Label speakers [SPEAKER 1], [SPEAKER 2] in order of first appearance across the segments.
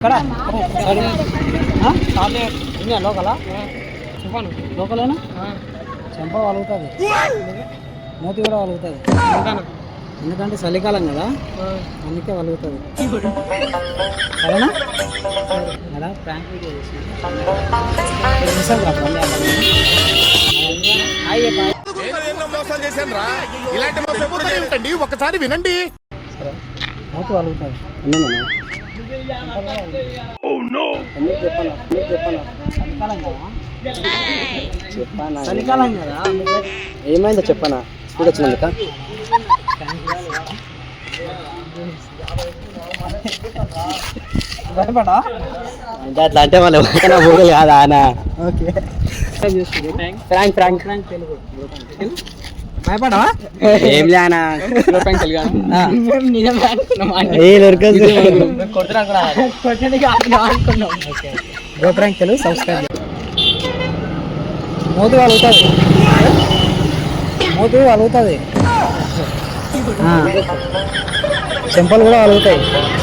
[SPEAKER 1] లోకలా చెప్పాను లోకలేనా చెంప వలుగుతుంది మూతి కూడా వలుగుతుంది ఎందుకంటే చలికాలం కదా అందుకే వలుగుతుంది సరేనా కదా ప్రాంక్ వీడియో
[SPEAKER 2] చేశాను ఒకసారి వినండి.
[SPEAKER 1] సరే మూతి వలుగుతుంది చలికాలం కదా
[SPEAKER 3] ఏమైందో చెప్పనా స్పీడ్ వచ్చినందుక
[SPEAKER 1] భయపడా
[SPEAKER 3] అట్లా అంటే మళ్ళీ ఊగలు కాదా అన్న.
[SPEAKER 1] ఓకే
[SPEAKER 3] ఫ్రాంక్ ఫ్రాంక్
[SPEAKER 1] తెలుగు భయపడా
[SPEAKER 3] ఏం లేనా
[SPEAKER 1] గోప్రాంక్ తెలుగు సబ్స్క్రైబ్ మూతి వలుగుతుంది మూతి వలుగుతుంది చెంపలు కూడా వలుగుతాయి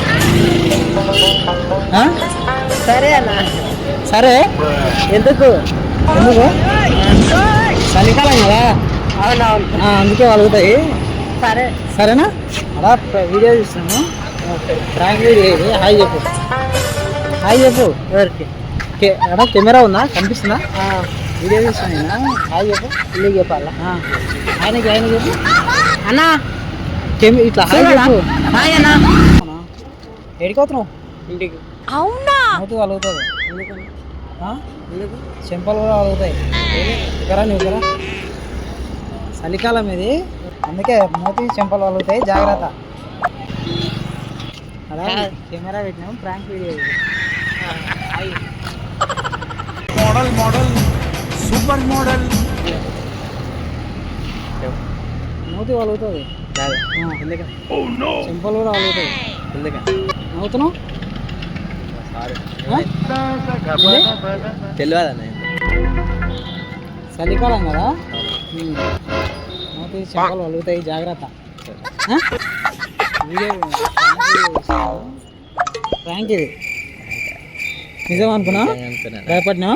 [SPEAKER 3] సరే అన్న
[SPEAKER 1] సరే ఎందుకు ఎందుకు చలికాలం కదా అందుకే వలుగుతాయి
[SPEAKER 3] సరే
[SPEAKER 1] సరేనా అలా వీడియో చూస్తున్నాము ప్రాంక్ వీడియో ఇది హాయ్ చెప్పు హాయ్ చెప్పు
[SPEAKER 3] ఎవరికి
[SPEAKER 1] అక్కడ కెమెరా ఉందా కనిపిస్తుందా వీడియో చూస్తున్నా హాయ్ చెప్పు ఇల్లు చెప్పాలా ఆయనకి ఆయన చెప్పు
[SPEAKER 3] అన్నా
[SPEAKER 1] ఇట్లా హాయ్ చెప్పు
[SPEAKER 3] హాయ్ అన్నా
[SPEAKER 1] ఎడిపోతున్నావు
[SPEAKER 3] ఇంటికి
[SPEAKER 4] అవునా
[SPEAKER 1] మూతి వలుగుతుంది చెంపలు కూడా వలుగుతాయి ఇక్కడ నువ్వు కదా చలికాలం ఇది అందుకే మూతి చెంపలు వలుగుతాయి జాగ్రత్త అలా కెమెరా పెట్టినాము prank video
[SPEAKER 2] model model super model
[SPEAKER 1] మూతి వలుగుతుంది చెంపలు కూడా వలుగుతాయి నవ్వుతున్నావు
[SPEAKER 3] తెలియదన్న
[SPEAKER 1] చలికాలం కదా మూతి చెంపలు వలుగుతాయి జాగ్రత్త వీడియో ప్రాంక్ ఇది నిజం అనుకున్నా భయపడినా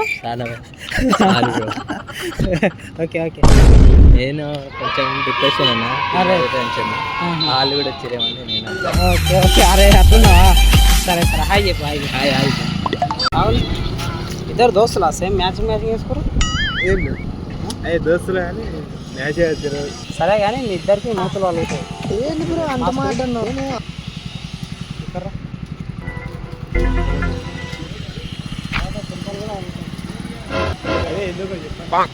[SPEAKER 1] ఓకే ఓకే
[SPEAKER 3] నేను కొంచెం డిప్రెషన్ అన్నా టెన్షన్ వాళ్ళు కూడా వచ్చారేమని నేను
[SPEAKER 1] ఓకే ఓకే అరే అట్లున్నావా సరే సరే హాయ్ చెప్పు హాయ్
[SPEAKER 3] హాయ్ హాయ్
[SPEAKER 1] అవును ఇద్దరు దోస్తులా సేమ్ మ్యాచింగ్ వేసుకోరు
[SPEAKER 2] ఏం లేదు అయ్యే దోస్తులు కానీ మ్యాచ్ వేస్తారు.
[SPEAKER 1] సరే కానీ మీ ఇద్దరికి మూతలు వాళ్ళు
[SPEAKER 3] ఏంటి బ్రో అంత మాట అన్నావు
[SPEAKER 2] అదే ఎందుకో చెప్పండి.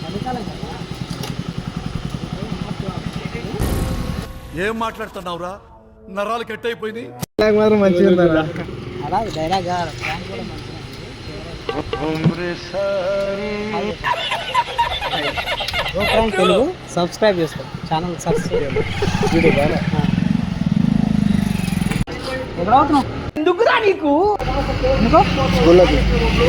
[SPEAKER 5] ఏం మాట్లాడుతున్నావురా నరాలు కట్ అయిపోయినాయి.
[SPEAKER 2] మాత్రం మంచిగా ఉందా
[SPEAKER 1] అలా డైలాగ్ ప్రాంక్ కూడా మంచిగా తెలుగు సబ్స్క్రైబ్ చేసుకో ఛానల్ సబ్స్క్రైబ్ ఎక్కడ అవుతున్నావు ఎందుకురా నీకు ఎందుకో
[SPEAKER 3] స్కూల్లోకి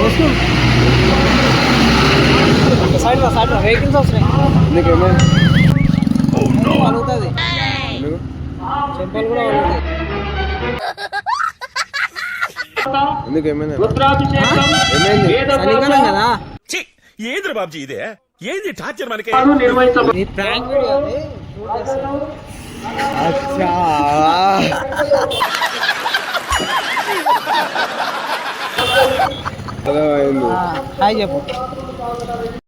[SPEAKER 1] సైడ్ సైడ్ వెహికల్స్ వస్తున్నాయి
[SPEAKER 3] నీకేమైంది
[SPEAKER 1] అలుగుతుంది చెంపలు కూడా అలుగుతాయి
[SPEAKER 3] ఎందుకు ఏమైంది
[SPEAKER 1] చలికాలం కదా
[SPEAKER 5] ఏంద్ర బాబ్జీ ఇదే ఏంది టార్చర్ మనకి
[SPEAKER 1] ఈ ప్రాంక్ వీడియో అది హాయ్ చెప్పు